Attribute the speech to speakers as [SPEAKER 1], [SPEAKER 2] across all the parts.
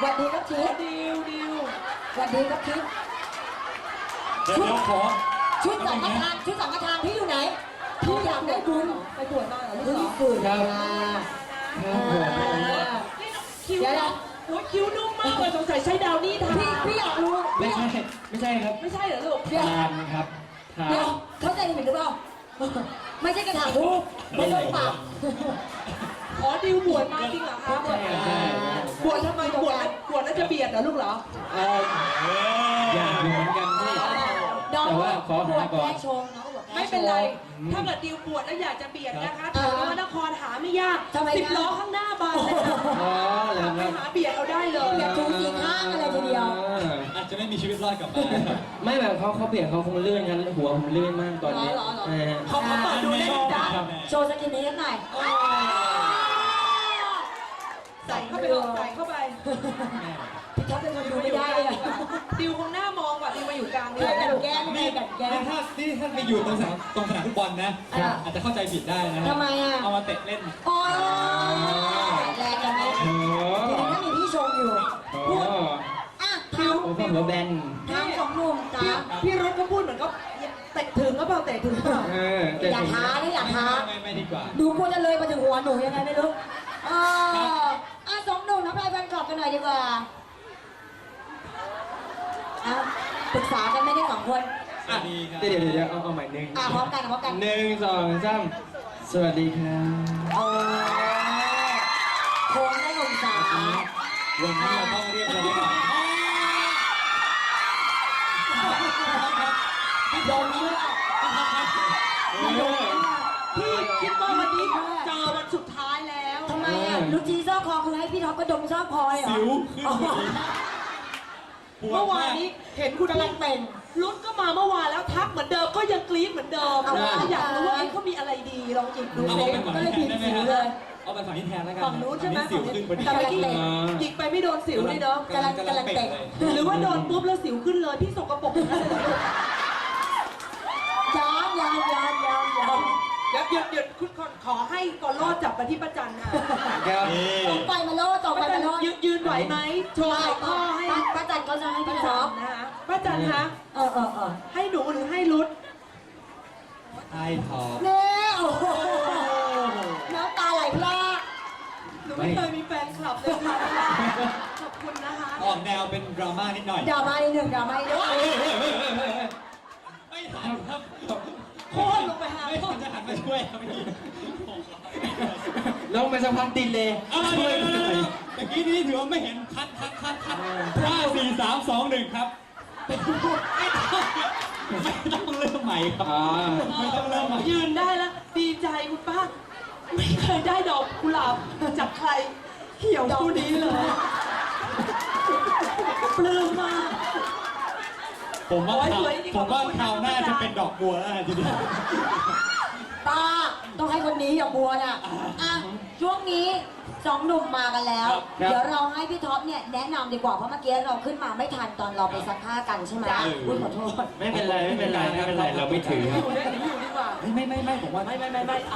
[SPEAKER 1] สวัสดีครับทิพย์
[SPEAKER 2] ดิว
[SPEAKER 1] สวัสดีครับทิพย์
[SPEAKER 3] เดี๋ยวขอ
[SPEAKER 1] ชุดสังฆทานพี่อยู่ไหนพี่อยากได้บุญ
[SPEAKER 2] ไปบวชมาเหรอลูก
[SPEAKER 1] เฮ้ย
[SPEAKER 2] เหรอ
[SPEAKER 1] ฝืน
[SPEAKER 3] ครับ
[SPEAKER 1] มา
[SPEAKER 2] คิ้ว
[SPEAKER 1] เดี๋ยวนะ
[SPEAKER 2] โอ้ยคิ้วนุ่มมากเลยสงสัยใช้ดาวนี่ทา
[SPEAKER 1] พี่อยากรู้
[SPEAKER 3] ไม่ใช่ครับ
[SPEAKER 2] ไม่ใช่เหรอลูก
[SPEAKER 3] ทานครับทาน
[SPEAKER 1] เดี๋ยวเข้าใจผิดหรือเปล่าไม่ใช่กระถางทูบไม่ต้องปาก
[SPEAKER 2] อ๋อดิวบวชมาจริงเหรอคะ
[SPEAKER 3] ใช่ครับ
[SPEAKER 2] บวชทำไมบวชแล้วจะเบียดเหรอลูกเหรอ
[SPEAKER 3] อยากอยู่เหมือนกันพี่
[SPEAKER 1] น้อง
[SPEAKER 3] แต่ว่าขอหาก่อน
[SPEAKER 1] แก้ชงน้องบอกแก้ชง
[SPEAKER 2] ไม่เป็นไร ถ้าเกิดดิวบวชแล้วอยากจะเบียดนะคะถามว่านครหาไม่ยาก
[SPEAKER 1] ทำไมนะ
[SPEAKER 2] 10 ล้อข้างหน้าบานเลยค่ะ
[SPEAKER 3] อ๋อเหรอ
[SPEAKER 2] ไป
[SPEAKER 3] ครับ
[SPEAKER 2] หาเบียดเอาได้เลย
[SPEAKER 1] อยากชูสีข้างอะไรทีเดียว
[SPEAKER 4] อาจจะไม่มีชีวิตรอดกลับมา
[SPEAKER 3] ไม่แบบเขาเปลี่ยนเขาคงเลื่อนกันหัวผมเลื่อนมากตอนนี้
[SPEAKER 1] เหรอ
[SPEAKER 2] เขาเปิดดูได้ไหมจ๊ะ
[SPEAKER 1] โชว์สกินเฮดหน่อย
[SPEAKER 2] ใส่เข้าไปลงใส่เข้าไป
[SPEAKER 1] พี่ท็อปเป็นคนดูไม่ได้เลย
[SPEAKER 2] ดิวคงหน้ามองว่ะดิวมาอยู่กลางนี่
[SPEAKER 1] เพื่อนกันแก้ไม่ได้กันแก้
[SPEAKER 4] นี่ถ้าไปอยู่ตรงสนามฟุตบอลนะ อาจจะเข้าใจผิดได้นะ
[SPEAKER 1] ทำไมอ่ะ
[SPEAKER 4] เอามาเตะเล่น
[SPEAKER 1] โอ้ยแรงกันไหม
[SPEAKER 3] โอ้
[SPEAKER 1] ทีนี้ถ้ามีพี่ชมอยู่
[SPEAKER 3] โห
[SPEAKER 1] อ่ะถาม
[SPEAKER 3] โอ้ผมหัวแบน
[SPEAKER 1] ถามของหนุ่มจ้า
[SPEAKER 2] พี่รถก็พูดเหมือนก็เตะถึงก็เปล่าเตะถึงเปล่า
[SPEAKER 3] แต่
[SPEAKER 1] อย่า
[SPEAKER 3] ผม
[SPEAKER 1] ท้านะอย่าท้า
[SPEAKER 4] ไม่ดีกว่า
[SPEAKER 1] ดูกลัวจะเลยมาถึงหัวหนูยังไงไม่รู้สองหนุ่มน้ำลายแฟนคลับกันหน่อยดีกว่าปรึกษากันไม่ได้สองคน
[SPEAKER 4] สวัสดีครับ
[SPEAKER 3] เดี๋ยวเอาใหม่หนึ่ง
[SPEAKER 1] พร้อมกันพร้อมกัน
[SPEAKER 3] หนึ่งสองสามสวัสดีครับ
[SPEAKER 1] โอ้โค้งได้หนุ่มสาว
[SPEAKER 4] วันนี้เราต้องเรียบร้อยก่อน
[SPEAKER 1] โดนเชือก
[SPEAKER 2] พี่คิดว่าวันนี้เจอวันสุดท้ายแล้ว
[SPEAKER 1] ทำไมอ่ะลูกจีซอกคอคือให้พี่ท็อปก็ดมซอกคอเหรอ
[SPEAKER 4] สิวขึ้นพอดีปว
[SPEAKER 2] เมื่
[SPEAKER 4] ด
[SPEAKER 2] อวาม
[SPEAKER 4] าน ก
[SPEAKER 2] นี้เห็นคุณ
[SPEAKER 1] กำลังเป็น
[SPEAKER 2] รุดก็มาเมื่อวานแล้วทักเหมือนเดิมก็ยังกรี๊ดเหมือนเดิม
[SPEAKER 1] เอาล่ะ
[SPEAKER 2] อยากรู้ว่าเขามีอะไรดีลองหยิบดู
[SPEAKER 4] เอา
[SPEAKER 2] สิ
[SPEAKER 4] ไปฝั่งนี้แทนได้ไหมครับเอาไปฝั่งนี้แทนแล้วกัน
[SPEAKER 2] ฝั่งนู้นใช่ไหม
[SPEAKER 4] สิวขึ้นพอดี
[SPEAKER 2] แต่เมื่อกี้หยิกไปไม่โดนสิวเลยเนาะ
[SPEAKER 1] กำลังเตะ
[SPEAKER 2] หรือว่าโดนปุ๊บแล้วสิวขึ้นเลยพี่สกปรกอย่างนั้นเลย
[SPEAKER 1] ย้อน
[SPEAKER 2] เดี๋ยวคุณขอให้กอลอดจับไปที่ประจันค่ะ
[SPEAKER 3] ครับ
[SPEAKER 1] ต่อไปมาโลดต่อไปมาโลด
[SPEAKER 2] ยืนไหวไหมโชว์ไข่ข้อให้
[SPEAKER 1] ป้าจันเขาจะให้พี่
[SPEAKER 2] ป้า
[SPEAKER 1] ท็
[SPEAKER 2] จั
[SPEAKER 1] อน ป
[SPEAKER 2] นะคะป้าจันคะ
[SPEAKER 1] เออ
[SPEAKER 2] ให้หนูหรือให้รุด
[SPEAKER 4] ไอ้ทอ
[SPEAKER 1] เน่โอ้โหน้ำตาไหลพลาก
[SPEAKER 2] หนูไม่เคยมีแฟนคลับเลยค่ะขอบคุณนะคะ
[SPEAKER 4] ออกแนวเป็นดราม่านิดหน่อย
[SPEAKER 1] ดราม่าอีกหนึ่งดราม่าอีกหนึ่ง
[SPEAKER 4] ไม่ทันครับ
[SPEAKER 2] โค่นลงไปหา
[SPEAKER 4] ไม่ทันจะหันมาช่วยครับเมื่อกี้
[SPEAKER 3] ลงไปสักพักติดเลย
[SPEAKER 4] ช่วยหน่อยตะกี้นี้ถือว่าไม่เห็นคัด5 4 3 2 1ครับไม่ต้องเริ่มใหม่ครับไม่ต้องเริ่มใหม่
[SPEAKER 2] ยืนได้แล้วดีใจคุณป้า ไม่เคยได้ดอกกุหลาบจากใครเหี่ยวคู่นี้เลยปลื้มมาก
[SPEAKER 4] ผมว่า
[SPEAKER 2] สวยจริงๆ
[SPEAKER 4] ผมว่า
[SPEAKER 2] ขอบคุณ
[SPEAKER 4] คราวหน้า
[SPEAKER 2] ครับ
[SPEAKER 4] จะเป็นดอกบัวแล้วทีเดียว
[SPEAKER 1] ป้าต้องให้คนนี้อย่าบัวน่ะช่วงนี้สองหนุ่มมากันแล้ว เดี๋ยวเราให้พี่ท็อปเนี่ยแนะนำดีกว่าเพราะเมื่อกี้เราขึ้นมาไม่ทันตอนเราไปซักผ้ากันใช่ไหมอุ้ยขอโทษ
[SPEAKER 3] ไม่เป็นไรเราไม่ถือครับ
[SPEAKER 2] อยู่ได้หรืออยู่ดีกว่า
[SPEAKER 4] ไม่ผมว่า
[SPEAKER 2] ไม่เอา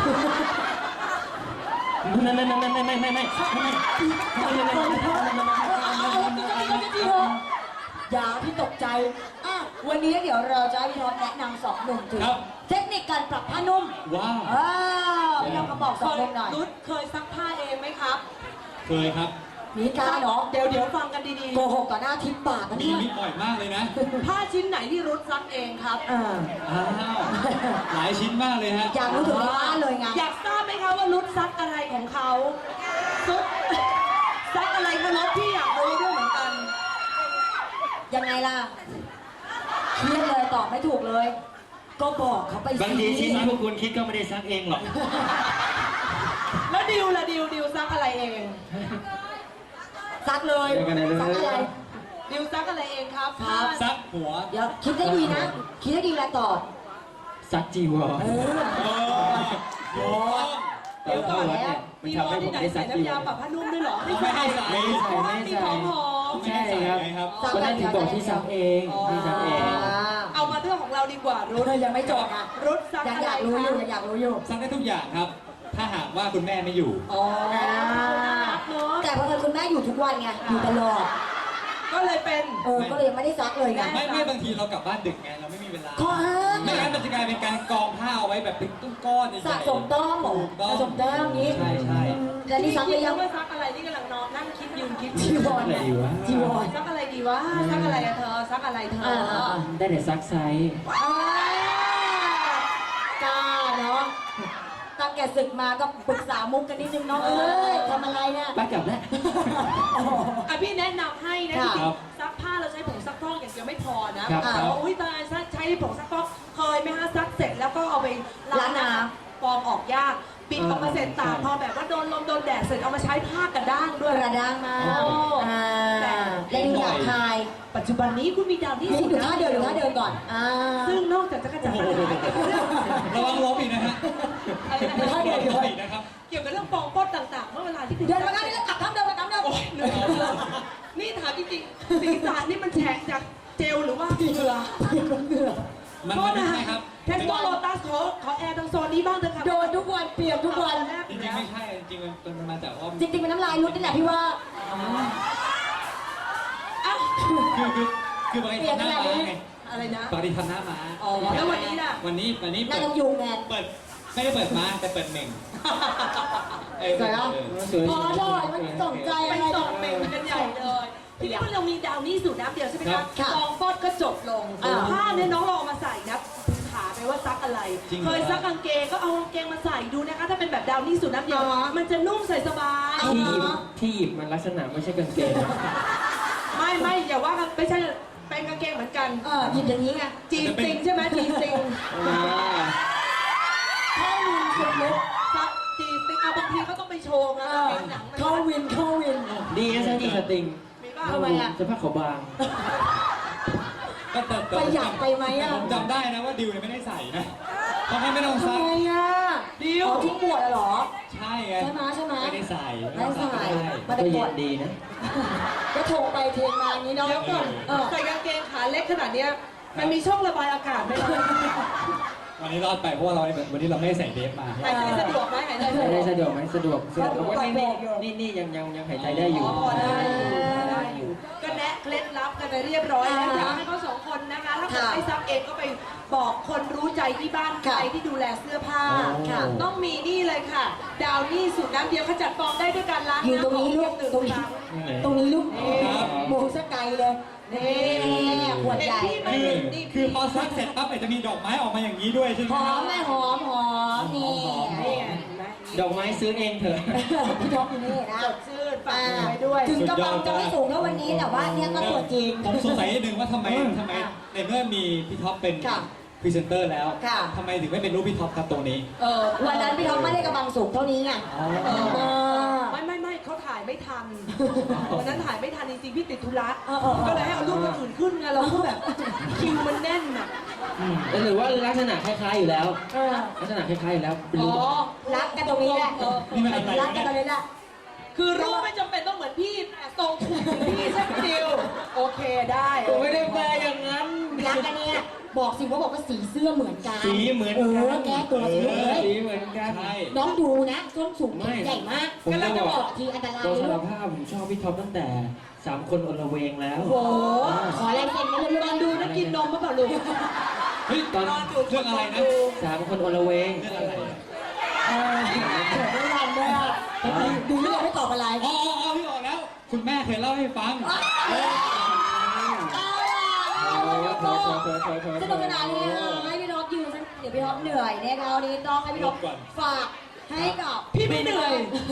[SPEAKER 1] อย่าพี่ตกใจวันนี้เดี๋ยวเราจะให้พี่ท็อปแนะนำสองหนุ่มถึงเทคนิคการปรับผ้านุ่ม
[SPEAKER 4] ว้าว
[SPEAKER 1] พี่ท็อปก็บอกสองหนุ่มหน่อย
[SPEAKER 2] รุดเคยซักผ้าเองไหมครับ
[SPEAKER 4] เคยครับ
[SPEAKER 1] มีการเนาะ
[SPEAKER 2] เดี๋ยวฟังกันดี
[SPEAKER 1] โกหกต่อหน้าทิพย์ปากกัน
[SPEAKER 4] มี
[SPEAKER 1] เนี่ย
[SPEAKER 4] บ่อยมากเลยนะ
[SPEAKER 2] ๆ ผ้าชิ้นไหนที่รุดซักเองครับ
[SPEAKER 4] อ้าวหลายชิ้นมากเลยฮะ
[SPEAKER 1] อยากรู้ถึงในบ้านเลยไง
[SPEAKER 2] อยากทราบไหมคะว่ารุดซักอะไรของเขาซุดซักอะไรคะรุดพี่อยากรู้ด้วยเหมือนกัน
[SPEAKER 1] ยังไงล่ะเครียดเลยตอบไม่ถูกเลย ก็บอกเขาไปสิ
[SPEAKER 3] บางทีชิ้นที่พวกคุณคิดก็ไม่ได้ซักเองหรอก
[SPEAKER 2] แล้วดิวล่ะดิวซักอะไรเอง
[SPEAKER 1] ซักเลยซักอะไร
[SPEAKER 2] ดิวซักอะไรเองครับ
[SPEAKER 1] ครับ
[SPEAKER 4] ซักหัว
[SPEAKER 1] เดี๋ยวคิดให้ดีนะ คิดให้ดีแล้วตอบ
[SPEAKER 3] ซักจีวร
[SPEAKER 4] โอ้
[SPEAKER 3] ตอนเข้าวัดเนี่ยมัน
[SPEAKER 2] มี
[SPEAKER 3] ทำ
[SPEAKER 2] วอ
[SPEAKER 3] ให้
[SPEAKER 2] น
[SPEAKER 3] ผ
[SPEAKER 2] ที่
[SPEAKER 3] ม
[SPEAKER 2] ไหน
[SPEAKER 3] ได้ซั
[SPEAKER 2] ใส่
[SPEAKER 3] กจี
[SPEAKER 2] น้ำ
[SPEAKER 3] วย
[SPEAKER 2] าร ปรับผ้านุ่มด้วยเหรอ
[SPEAKER 4] ไม่ให้ใส่
[SPEAKER 2] เพราะว่ามีของหอม
[SPEAKER 3] ใช่ครับ
[SPEAKER 1] ซัก
[SPEAKER 3] ก็
[SPEAKER 1] กั
[SPEAKER 3] นั่
[SPEAKER 1] น
[SPEAKER 3] นถึงบอกที่ซักเองที่ซักเอง
[SPEAKER 2] เอามาเรื่องของเราดีกว่ารุด
[SPEAKER 1] ยังไม่จบอ่ะ
[SPEAKER 2] รุดซัก
[SPEAKER 1] ยัง
[SPEAKER 2] อะไร
[SPEAKER 1] อยากรู้อยู่
[SPEAKER 2] คะ
[SPEAKER 1] ยังอยากรู้อยู่
[SPEAKER 4] ซักได้ทุกอย่างครับ ถ้าหากว่าคุณแม่ไม่อยู่
[SPEAKER 2] อ๋อเนาะ
[SPEAKER 1] แต่พอคุณแม่อยู่ทุกวันไงอยู่ตลอด
[SPEAKER 2] ก็เลยเป็น
[SPEAKER 1] ก็เลยไม่ได้ซักเลยไง
[SPEAKER 4] ไม่บางทีเรากลับบ้านดึกไงเราไม่มีเวลา
[SPEAKER 1] ข้อห้าม
[SPEAKER 4] ไม่งั้นมันจะกลายเป็นการกองผ้าเอาไว้แบบเป็นตุ้งก้อนใหญ่ๆ
[SPEAKER 1] สะสมแต้มเหรอ
[SPEAKER 4] ถูกต้อง
[SPEAKER 1] สะสมแต้มนี้
[SPEAKER 4] ใช่ใช่
[SPEAKER 1] แล้วนี่ซักไปยัง
[SPEAKER 2] ว่าซักอะไรนี่กำลังนอนนั่งคิดยืนคิด
[SPEAKER 1] จีวร
[SPEAKER 3] อะไรดีวะ
[SPEAKER 1] จีวร
[SPEAKER 2] ซักอะไรดีวะซักอะไรอะเธอซักอะไรเธอ
[SPEAKER 3] ได้แต่ซักไซส์
[SPEAKER 1] กล้าเนาะตั้งแต่ศึกมาก็ปรึกษามุกกันนิดนึงเนาะเอ้ยทำอะไรเนี่ย
[SPEAKER 3] ไปกลับแล้ว
[SPEAKER 2] อ่ะพี่แนะนำให้นะ
[SPEAKER 1] ค่ะ
[SPEAKER 2] จริงๆซักผ้าเราใช้ผงซักฟอกอย่างเดียวไม่พอนะครับ บอกว่าอุ้ยตายใช้ผงซักฟอกเคยไหมฮะซักเสร็จแล้วก็เอาไปล้างน้ำฟองออกยากปิดออกมาเสร็จตากพอแบบว่าโดนลมโดนแดดเสร็จเอามาใช้ผ้ากระด้างด้วย
[SPEAKER 1] กระด้างมาก
[SPEAKER 2] โอ้
[SPEAKER 1] เล่นหยาบคาย
[SPEAKER 2] ปัจจุบันนี้คุณมีดาวที่
[SPEAKER 1] นี่
[SPEAKER 2] สุด
[SPEAKER 1] ดูท่าเดินดูท่าเดินก่อน
[SPEAKER 2] ซึ่งนอกจากจะกระจัดปัญหาเกี่ยวกับเรื่อง
[SPEAKER 4] ระวังล้มอีกนะฮะ
[SPEAKER 2] อะไรนะ
[SPEAKER 1] ท่าเดิน
[SPEAKER 4] ล้มอีกนะครับ
[SPEAKER 2] เกี่ยวกับเรื่องฟองป้อนต่างๆ เมื่อเวลาที่คุณ
[SPEAKER 1] เดินมาข้างนี้แล้วกลับข้างเดินมาข้างเดิม
[SPEAKER 2] เหนื่อยเลยนี่ถามจริงๆศีรษะนี่มันแฉกจากเจลหรือว่าเหงื่อ
[SPEAKER 1] เหงื่อ
[SPEAKER 4] มันไม่ใช่ครับ
[SPEAKER 2] เทสโกโลตัสขอแอร์ทางโซนนี้บ้างเถอะค่ะ
[SPEAKER 1] โดนทุกวันเปียกทุกวัน
[SPEAKER 4] จริงๆไม่ใช่จริงๆมันมาจากว่า
[SPEAKER 1] จริงๆเป็นน้ำลายรุดนี่แหละพี่ว่า
[SPEAKER 2] อ้าว
[SPEAKER 4] คือปกติทำหน้าม้าไง
[SPEAKER 2] อะไรนะ
[SPEAKER 4] ปกติทำหน้าม้า
[SPEAKER 2] อ๋อแล้ววันนี้ล่ะ
[SPEAKER 4] วันนี้
[SPEAKER 1] หน้าต้องยุงแทน
[SPEAKER 4] เปิดไม่ได้เปิดม้าแต่เปิดเหม่ง
[SPEAKER 1] สวยเนอะ พอเถอะมันสนใจ
[SPEAKER 2] ไป
[SPEAKER 1] อะไร
[SPEAKER 2] ส่งเมลกันใหญ่เลยทีนี้เมื่อเรามีดาวนี่สูตรน้ำเดียวใช่ไหม
[SPEAKER 4] ครั
[SPEAKER 2] คะ
[SPEAKER 4] บ
[SPEAKER 1] ค่ะ
[SPEAKER 2] ฟองฟอดก็จบลงผ้าเนี่ยน้องเราเอามาใส่นะถามไปว่าซักอะไร
[SPEAKER 4] จริงเหรอ
[SPEAKER 2] เคยซักกางเกงก็เอากางเกงมาใส่ดูนะคะ ถ้าเป็นแบบดาวนี่สูตรน้ำเดียว มันจะนุ่มใส่สบาย
[SPEAKER 3] ที่หยิบมันลักษณะไม่ใช่กางเกง
[SPEAKER 2] ไม่อย่าว่ากันไม่ใช่เป็นกางเกงเหมือนกัน
[SPEAKER 1] หยิบอย่างนี้ไง
[SPEAKER 2] จีซิงใช่ไหมจีซิง
[SPEAKER 1] เข้าวินสุดลึก
[SPEAKER 2] ซักจีซิงเอาบางทีก็ต้องไปโชว์นะกางเกงหนังมัน
[SPEAKER 1] เข้าวินเข้าวิน
[SPEAKER 3] ดีนะใช่ที่สติง
[SPEAKER 2] มีบ้าง
[SPEAKER 1] ทำไมอะ
[SPEAKER 3] สภาพเขาบาง
[SPEAKER 4] ก็แต่
[SPEAKER 1] ประหยัดไปไหมอะ
[SPEAKER 4] ผมจำได้นะว่าดิวเนี่ยไม่ได้ใส่นะเขาให้ไม่ต้อง
[SPEAKER 1] ทำ
[SPEAKER 4] ซัก
[SPEAKER 1] ไมอะดิวทิ้งบวชเหรอ
[SPEAKER 4] ใช่ไง
[SPEAKER 1] ใช่ไหมใช่ไหม
[SPEAKER 4] ไม่ได้ใส่
[SPEAKER 1] ไม่ได้ใส่ มา
[SPEAKER 3] ก็
[SPEAKER 1] แต่บ
[SPEAKER 3] เย็
[SPEAKER 1] วช
[SPEAKER 3] นดีนะ
[SPEAKER 1] ก็โทรไปเทงมาอย่างนี้เนาะ
[SPEAKER 2] เดี๋ยวก่อน ใส่กางเกงขาเล็กขนาดเนี้ยมันมีช่องระบายอากาศไหมล่ะ
[SPEAKER 4] วันนี้รอดไปเพราะว่าวันนี้เราไม่ได้ใส่เดฟมา
[SPEAKER 2] หายใจสะดวกไหมหายใจ
[SPEAKER 3] หายใจ
[SPEAKER 2] สะดวก
[SPEAKER 3] สะดวกไหมสะดวกแต่ว่านี่ยังหายใจได้อยู่
[SPEAKER 2] พอได้อยู่ ก็แนะเคล็ดลับกันไปเรียบร้อยแล้วอยากให้เขาสองคนนะคะ ถ้าเกิดไม่ซักเองก็ไปบอกคนรู้ใจที่บ้านใครที่ดูแลเสื้อผ้า
[SPEAKER 1] ค่ะ
[SPEAKER 2] ต้องมีนี่เลยค่ะ ดาวนี่สูตรน้ำเดียวขจัดฟองได้ด้วยการล้าง
[SPEAKER 1] อยู่ตรงนี้ลูก
[SPEAKER 2] หนึ่ง
[SPEAKER 1] ตรง
[SPEAKER 2] ค
[SPEAKER 1] นี้
[SPEAKER 2] รั้ง
[SPEAKER 1] ตรงนี้ลูก
[SPEAKER 4] ครับ
[SPEAKER 1] โมงสกไกลเลยนี่ขวดใหญ่
[SPEAKER 4] คือพอซักเสร็จปั๊บเนี่ยจะมีดอกไม้ออกมาอย่างนี้ด้วยใช่ไหม
[SPEAKER 1] หอมแม่หอมนี่
[SPEAKER 2] นี่ไงเห็นไหม
[SPEAKER 3] ดอกไม้ซื้อเองเถอะ
[SPEAKER 1] พี่ท็อปอยู่นี่นะ
[SPEAKER 2] สดชื่นฝากไว้ด้วย
[SPEAKER 1] ถึงกำลังจะไม่สูงเท่าวันนี้แต่ว่าเนี่ยก็ตัวจริง
[SPEAKER 4] ผมสงสัยนิดนึงว่าทำไมในเมื่อมีพี่ท็อปเป็น
[SPEAKER 1] ค่ะ
[SPEAKER 4] พรีเซนเตอร์แล้ว
[SPEAKER 1] ค่ะ
[SPEAKER 4] ทำไมถึงไม่เป็นรูปพี่ท็อปครับตรงนี้
[SPEAKER 1] วันนั้นพี่ท็อปไม่ได้กำลังสูงเท่านี้ไง
[SPEAKER 2] ไม่เขาถ่ายไม่ทันวันนั้นถ่ายไม่ทันจริงๆพี่ติดธุระ
[SPEAKER 1] เออ
[SPEAKER 2] ก็เลยให้เอารูปคนอื่นขึ้นไงเราก็แบบคิวมันแน่นอ่ะ
[SPEAKER 3] หรือว่าลักษณะคล้ายๆอยู่แล้ว
[SPEAKER 1] เออ
[SPEAKER 3] ลักษณะคล้ายๆอยู่แล้วเป็น
[SPEAKER 2] อ๋
[SPEAKER 3] รูป
[SPEAKER 2] อ
[SPEAKER 1] รักกันตรงนี้แหละ
[SPEAKER 4] นี่มันอะไร
[SPEAKER 1] รักกันตรงนี้แหละ
[SPEAKER 2] คือรูปไม่จำเป็นต้องเหมือนพี่แต่ทรงถูกเหมือนพี่ใช่ไหมดิวโอเคได้
[SPEAKER 3] ผมไม่ได้แปลอย่างนั้น
[SPEAKER 1] รักกันเนี่ยบอกสิว่าบอกว่าสีเสื้อเหมือนกัน
[SPEAKER 3] สีเหมือนกัน
[SPEAKER 1] แก้ตัวสิลูกเอ้ย
[SPEAKER 3] สีเหมือนกัน
[SPEAKER 4] ใช่
[SPEAKER 1] น้องดูนะส้นสูงใหญ่มาก
[SPEAKER 3] ผม
[SPEAKER 1] กำลั
[SPEAKER 3] จะ
[SPEAKER 1] งจะ
[SPEAKER 3] บบ อ
[SPEAKER 1] อก กทีอันตราย
[SPEAKER 3] ตัว
[SPEAKER 1] เล
[SPEAKER 3] สาร
[SPEAKER 1] ย
[SPEAKER 3] ภาพผมชอบพี่ท็อปตั้งแต่3 คนอลเวงแล้ว
[SPEAKER 1] โอ้โหขอแรงเซ็นกันเลย
[SPEAKER 2] ตอนดูนะกินนมเมื่อก่อนลูก
[SPEAKER 4] เฮ้ย
[SPEAKER 3] ตอน
[SPEAKER 2] ดู
[SPEAKER 4] เรื่องอะไรนะ
[SPEAKER 3] 3 คนอลเวง
[SPEAKER 4] เรื่องอะไรอะ
[SPEAKER 1] เกิดไม่ทันด้วยดูเรื่องไม่ตอบอะไร
[SPEAKER 4] อ๋อพี่ออกแล้ว คุณแม่เคยเล่าให้ฟัง
[SPEAKER 1] สนุกสนานเลยนะคะให้พี่ท็อปยืนเดี๋ยวพี่ท็อปเหนื่อยนะคะวันนี้ต้องให้พี่ท็อปฝากให้กับ
[SPEAKER 2] พี่ไม่เหนื่อย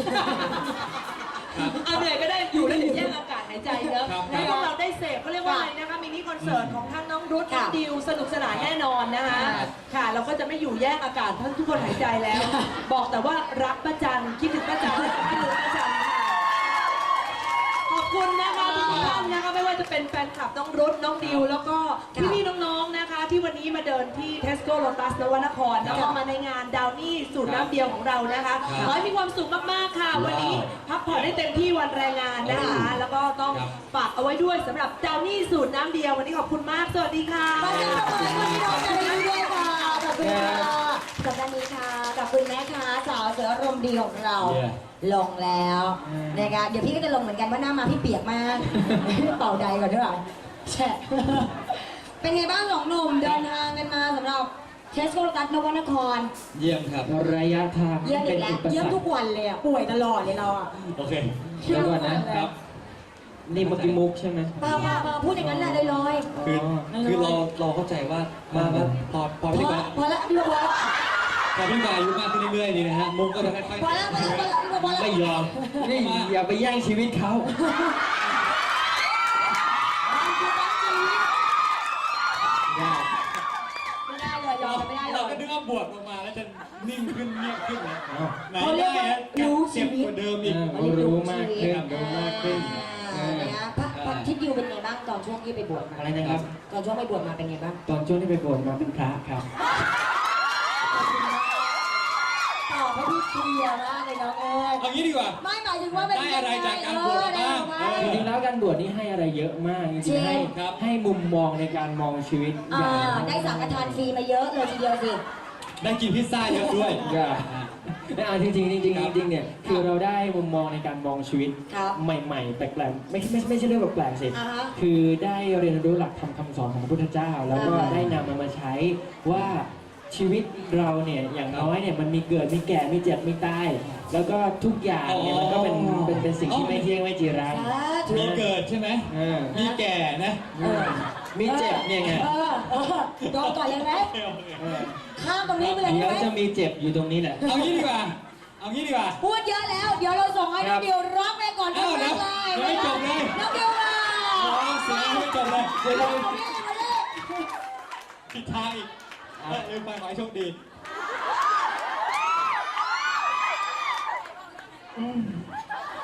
[SPEAKER 2] เอาเหนื่อยก็ได้อยู่แล้วเดี๋ยวแย่งอากาศหายใจเนอะให้พวกเราได้เสพเขาเรียกว่าอะไรนะคะมินิคอนเสิร์ตของทั้งน้องรุทน้องดิวสนุกสนานแน่นอนนะคะค่ะเราก็จะไม่อยู่แย่งอากาศทั้งทุกคนหายใจแล้ว บอกแต่ว่ารักป้าจันคิดถึงป้าจันคิดถึงป้าจันค่ะขอบคุณนะคะทุกท่านนะคะไม่ว่าจะเป็นแฟนคลับน้องรุทน้องดิวแล้วก็พี่ๆน้องๆนะคะ ที่วันนี้มาเดินที่ Tesco Lotus นวนครแล้วก็มาในงานดาวนี่สูตรน้ำเดียวของเรานะคะขอให้มีความสุขมากๆค่ะ วันนี้พักผ่อนได้เต็มที่วันแรงงานนะคะ แล้วก็ต้องฝากเอาไว้ด้วยสำหรับดาวนี่สูตรน้ำเดียววันนี้ขอบคุณมากสวัสดีค่ะ
[SPEAKER 1] ขอบคุณพี่ท็อปกันด้วยค่ะขอบคุณค่ะสัปดาห์นี้ค่ะกับคุณแม่ค่ะสาวเสืออารมณ์ดีของเรา ลงแล้วนะคะเดี๋ยวพี่ก็จะลงเหมือนกันว่าหน้ามาพี่เปียกมาก เป่าใดก่อนด้วยแฉะเป็นไงบ้างสองหนุ่มเดินทางกันมาสำหรับเทสโกโลตัสนวนคร
[SPEAKER 4] เยี่ยมครับ
[SPEAKER 3] ระยะทาง
[SPEAKER 1] เยี่ยมอี
[SPEAKER 3] เป็น
[SPEAKER 1] กแล้ว
[SPEAKER 3] อุป
[SPEAKER 1] เยี่ย
[SPEAKER 3] ส
[SPEAKER 1] ม
[SPEAKER 3] รร
[SPEAKER 1] ทุ
[SPEAKER 3] ค
[SPEAKER 1] กวันเลยอ่ะป่วยตลอดเลยเราอ่ะ
[SPEAKER 4] โอเค
[SPEAKER 3] เดี๋ยวก่อนนะ
[SPEAKER 4] ครับ
[SPEAKER 3] นี่เมื่อกี้มุกใช่ไหม
[SPEAKER 1] เปล่าพูดอย่างนั้นแหละลอย
[SPEAKER 4] คือเราเข้าใจว่าพอ
[SPEAKER 1] ๆ
[SPEAKER 4] พี่กา
[SPEAKER 1] พอแล้วพี่พอแล้ว
[SPEAKER 4] พอพี่กาอายุมากขึ้นเรื่อยๆนี่นะฮะมุกก็จะค่อย
[SPEAKER 1] พอแล้วพอแล้ว
[SPEAKER 4] ไม่ยอม
[SPEAKER 3] นี่อย่าไปแย่งชีวิตเขา
[SPEAKER 1] ไม่ได้เลยยอมไม่ได้เล
[SPEAKER 4] เรา
[SPEAKER 1] ย
[SPEAKER 4] ก็นึกว่าบวชลงมาแล้วจะนิ่งขึ้นเงียบขึ้นนะไหน
[SPEAKER 1] เขาเรีย
[SPEAKER 4] ได้
[SPEAKER 1] กว่า
[SPEAKER 4] ฮะ
[SPEAKER 1] รู้ชี
[SPEAKER 4] เจ็บ
[SPEAKER 1] วิต
[SPEAKER 4] กว่าเดิมอีก
[SPEAKER 3] รู้มากขึ้นรู้มากขึ้น
[SPEAKER 1] นะพระทิดดิวเป็นไงบ้างตอนช่วงที่ไปบวชมา
[SPEAKER 3] อะไรนะครับ
[SPEAKER 1] ตอนช่วงไปบวชมาเป็นไงบ้าง
[SPEAKER 3] ตอนช่วงที่ไปบวชมาเป็นพระครับ
[SPEAKER 1] ตอบให้พี่เคลียร์มากเลยน้องเอ้ย
[SPEAKER 4] เอางี้ดีกว่า
[SPEAKER 1] ไม่หมายถึงว่าเป็น
[SPEAKER 4] ได้อะไรจากการบวชบ้าง
[SPEAKER 3] จริงๆแล้วการบวชนี่ให้อะไรเยอะมากจ
[SPEAKER 1] จริ
[SPEAKER 3] ริง
[SPEAKER 1] ง
[SPEAKER 3] ๆให้
[SPEAKER 4] ครับ
[SPEAKER 3] ให้มุมมองในการมองชีวิต
[SPEAKER 1] ได้สังฆทานฟรีมาเยอะเลยทีเดียวสิ
[SPEAKER 4] ได้กินพิซซ่าเยอะด้วย
[SPEAKER 3] อย่าจริงๆจริงๆเนี่ยคือเราได้มุมมองในการมองชีวิต
[SPEAKER 1] ครับ
[SPEAKER 3] ใหม่ๆแปลกๆไม่ใช่เรื่องแปลกๆสิ
[SPEAKER 1] อ่าฮะ
[SPEAKER 3] คือได้เรียนรู้หลักธรรมคำสอนของพระพุทธเจ้า แล้วก็
[SPEAKER 1] อ่าฮะ
[SPEAKER 3] ได้นำมันมาใช้ว่าชีวิตเราเนี่ยอย่างน้อยเนี่ยมันมีเกิดมีแก่มีเจ็บมีตายแล้วก็ทุกอย่างเนี่ยมันก็เป็นสิ่งที่ไม่เที่ยงไม่จีรัง
[SPEAKER 1] สาธุ
[SPEAKER 4] มีเกิดใช่ไหม
[SPEAKER 3] เออ
[SPEAKER 4] มีแก่นะ
[SPEAKER 3] มีเจ็บเนี่ยไง
[SPEAKER 1] โดนก่อนเลยไหม
[SPEAKER 3] เออ
[SPEAKER 1] ข้ามตรงนี้ไปเลย
[SPEAKER 3] เดี๋ยว
[SPEAKER 1] ไหม
[SPEAKER 3] จะมีเจ็บอยู่ตรงนี้แหละ
[SPEAKER 4] เอางี้ดีกว่า เอางี้ดีกว่า
[SPEAKER 1] พูดเยอะแล้ว เดี๋ยวเราส่งให้น้องดิวร้องไปก่อน
[SPEAKER 4] เอ้าเดี๋ยว
[SPEAKER 1] เลย
[SPEAKER 4] ยังไม่จบเลย
[SPEAKER 1] น้องดิวมา
[SPEAKER 4] เสียงไม่จบเลย
[SPEAKER 3] เดี๋ยวเรา
[SPEAKER 4] ผิดทางอีกลืมไปขอให้โชคดี
[SPEAKER 3] อืม